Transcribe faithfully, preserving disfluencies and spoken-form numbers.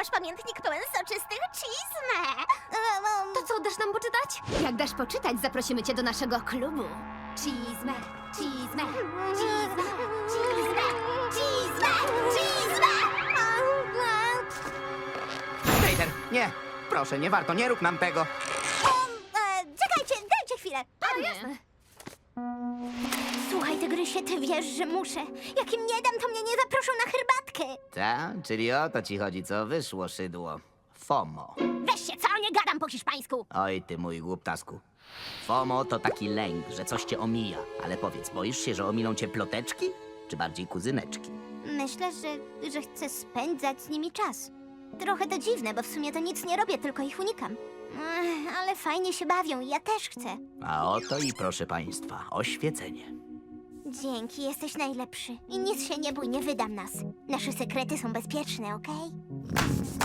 nasz pamiętnik pełen soczystych cheese'me. To co, dasz nam poczytać? Jak dasz poczytać, zaprosimy cię do naszego klubu. Cheese'me, cheese'me, cheese'me, Cheese'me, cheese'me, cheese'me! Peter, nie! Proszę, nie warto, nie rób nam tego. E, czekajcie, dajcie chwilę. Jasne. Słuchaj, tygrysie, ty wiesz, że muszę. Jak im nie dam, to mnie nie zaproszą na herbatkę. Ta? Czyli o to ci chodzi, co wyszło, szydło. FOMO. Weź się, co? Nie gadam po hiszpańsku. Oj, ty mój głuptasku. FOMO to taki lęk, że coś cię omija. Ale powiedz, boisz się, że omilą cię ploteczki? Czy bardziej kuzyneczki? Myślę, że, że chcę spędzać z nimi czas. Trochę to dziwne, bo w sumie to nic nie robię, tylko ich unikam. Ech, ale fajnie się bawią i ja też chcę. A oto i proszę państwa, oświecenie. Dzięki, jesteś najlepszy. I nic się nie bój, nie wydam nas. Nasze sekrety są bezpieczne, okej?